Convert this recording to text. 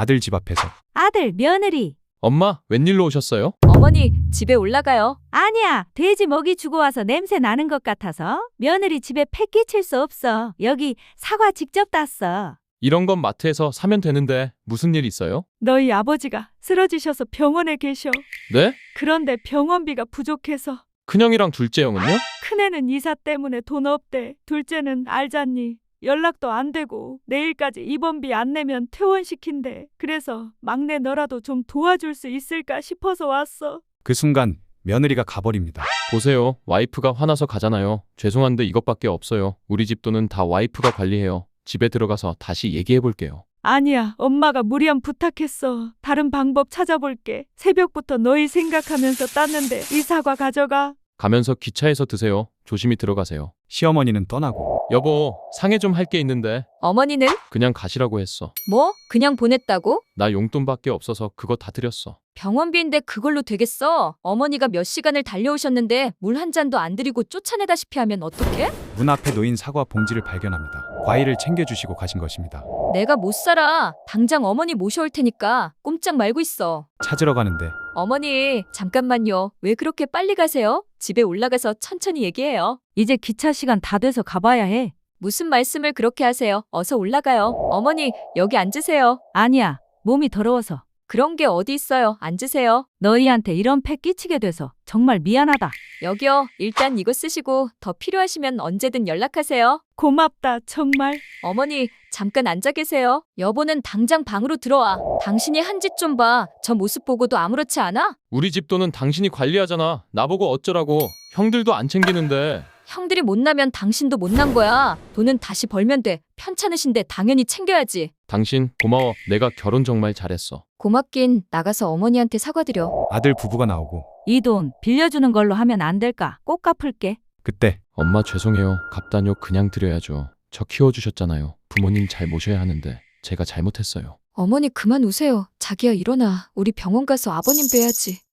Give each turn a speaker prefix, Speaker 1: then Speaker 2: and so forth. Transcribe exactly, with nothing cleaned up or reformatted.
Speaker 1: 아들 집 앞에서.
Speaker 2: 아들, 며느리.
Speaker 3: 엄마, 웬일로 오셨어요?
Speaker 4: 어머니, 집에 올라가요.
Speaker 2: 아니야, 돼지 먹이 주고 와서 냄새 나는 것 같아서 며느리 집에 패 끼칠 수 없어. 여기 사과 직접 땄어.
Speaker 3: 이런 건 마트에서 사면 되는데 무슨 일 있어요?
Speaker 2: 너희 아버지가 쓰러지셔서 병원에 계셔.
Speaker 3: 네?
Speaker 2: 그런데 병원비가 부족해서.
Speaker 3: 큰형이랑 둘째 형은요?
Speaker 2: 큰애는 이사 때문에 돈 없대. 둘째는 알잖니. 연락도 안 되고 내일까지 입원비 안 내면 퇴원시킨대. 그래서 막내 너라도 좀 도와줄 수 있을까 싶어서 왔어.
Speaker 1: 그 순간 며느리가 가버립니다.
Speaker 3: 보세요. 와이프가 화나서 가잖아요. 죄송한데 이것밖에 없어요. 우리 집 돈은 다 와이프가 관리해요. 집에 들어가서 다시 얘기해 볼게요.
Speaker 2: 아니야, 엄마가 무리한 부탁했어. 다른 방법 찾아볼게. 새벽부터 너희 생각하면서 땄는데 이 사과 가져가.
Speaker 3: 가면서 기차에서 드세요. 조심히 들어가세요.
Speaker 1: 시어머니는 떠나고.
Speaker 3: 여보, 상해 좀 할 게 있는데
Speaker 4: 어머니는?
Speaker 3: 그냥 가시라고 했어.
Speaker 4: 뭐? 그냥 보냈다고?
Speaker 3: 나 용돈밖에 없어서 그거 다 드렸어.
Speaker 4: 병원비인데 그걸로 되겠어? 어머니가 몇 시간을 달려오셨는데 물 한 잔도 안 드리고 쫓아내다시피 하면 어떡해?
Speaker 1: 문 앞에 놓인 사과 봉지를 발견합니다. 과일을 챙겨주시고 가신 것입니다.
Speaker 4: 내가 못 살아. 당장 어머니 모셔올 테니까 꼼짝 말고 있어.
Speaker 1: 찾으러 가는데
Speaker 4: 어머니, 잠깐만요. 왜 그렇게 빨리 가세요? 집에 올라가서 천천히 얘기해요.
Speaker 2: 이제 기차 시간 다 돼서 가봐야 해.
Speaker 4: 무슨 말씀을 그렇게 하세요? 어서 올라가요. 어머니, 여기 앉으세요.
Speaker 2: 아니야, 몸이 더러워서.
Speaker 4: 그런 게 어디 있어요. 앉으세요.
Speaker 2: 너희한테 이런 패 끼치게 돼서 정말 미안하다.
Speaker 4: 여기요. 일단 이거 쓰시고 더 필요하시면 언제든 연락하세요.
Speaker 2: 고맙다, 정말.
Speaker 4: 어머니, 잠깐 앉아 계세요. 여보는 당장 방으로 들어와. 당신이 한 짓 좀 봐. 저 모습 보고도 아무렇지 않아?
Speaker 3: 우리 집 돈은 당신이 관리하잖아. 나보고 어쩌라고. 형들도 안 챙기는데.
Speaker 4: 형들이 못나면 당신도 못난 거야. 돈은 다시 벌면 돼. 편찮으신데 당연히 챙겨야지.
Speaker 3: 당신 고마워. 내가 결혼 정말 잘했어.
Speaker 4: 고맙긴 나가서 어머니한테 사과드려.
Speaker 1: 아들 부부가 나오고.
Speaker 2: 이 돈 빌려주는 걸로 하면 안 될까? 꼭 갚을게.
Speaker 1: 그때
Speaker 3: 엄마 죄송해요. 갚다뇨. 그냥 드려야죠. 저 키워주셨잖아요. 부모님 잘 모셔야 하는데 제가 잘못했어요.
Speaker 4: 어머니 그만 우세요. 자기야 일어나. 우리 병원 가서 아버님 뵈야지.